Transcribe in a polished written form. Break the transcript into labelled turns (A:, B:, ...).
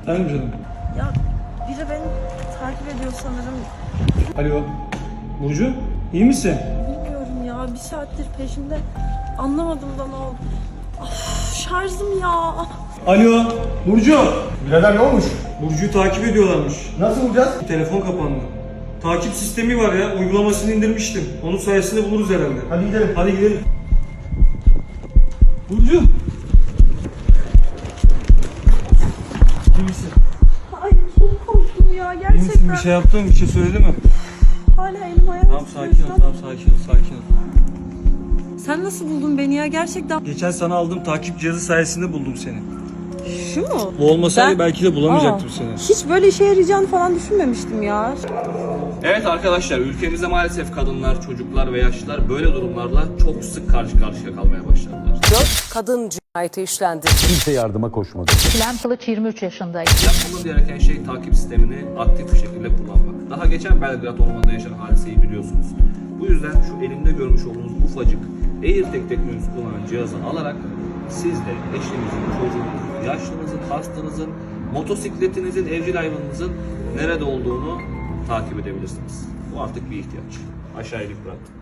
A: Efendim canım.
B: Ya biri beni takip ediyor sanırım.
A: Alo. Burcu, iyi misin?
B: Bilmiyorum ya, bir saattir peşimde. Anlamadım da ne oldu. Of, şarjım ya.
A: Alo. Burcu.
C: Birader ne olmuş?
A: Burcu'yu takip ediyorlarmış.
C: Nasıl bulacağız?
A: Telefon kapandı. Takip sistemi var ya, uygulamasını indirmiştim. Onun sayesinde buluruz herhalde.
C: Hadi gidelim.
A: Hadi gidelim. Burcu. İyi misin?
B: Ay çok korktum ya,
A: İyi
B: gerçekten.
A: misin? Bir şey yaptın mı? Bir şey söyledi mi?
B: Hala elim ayağım
A: Tamam
B: titriyor
A: sakin ol,
B: şu an.
A: tamam sakin ol, sakin ol.
B: Sen nasıl buldun beni ya, gerçekten?
A: Geçen sana aldığım takip cihazı sayesinde buldum seni.
B: Şu mu?
A: Bu olmasaydı belki de bulamayacaktım
B: Aa,
A: seni.
B: hiç böyle işe yarayacağını falan düşünmemiştim ya.
D: Evet arkadaşlar, ülkemizde maalesef kadınlar, çocuklar ve yaşlılar böyle durumlarla çok sık karşı karşıya kalmaya başladılar.
E: 4 kadın cinayeti işlendi.
F: Kimse yardıma koşmadı.
G: Çilem Kılıç 23 yaşındaydı.
D: Yapmamız gereken şey takip sistemini aktif bir şekilde kullanmak. Daha geçen Belgrad Ormanı'nda yaşanan hadiseyi biliyorsunuz. Bu yüzden şu elimde görmüş olduğunuz ufacık AirTag teknolojisi kullanan cihazı alarak siz de eşinizin, çocuğunuzun, yaşlınızın, hastanızın, motosikletinizin, evcil hayvanınızın nerede olduğunu takip edebilirsiniz. Bu artık bir ihtiyaç. Aşağıya link bıraktım.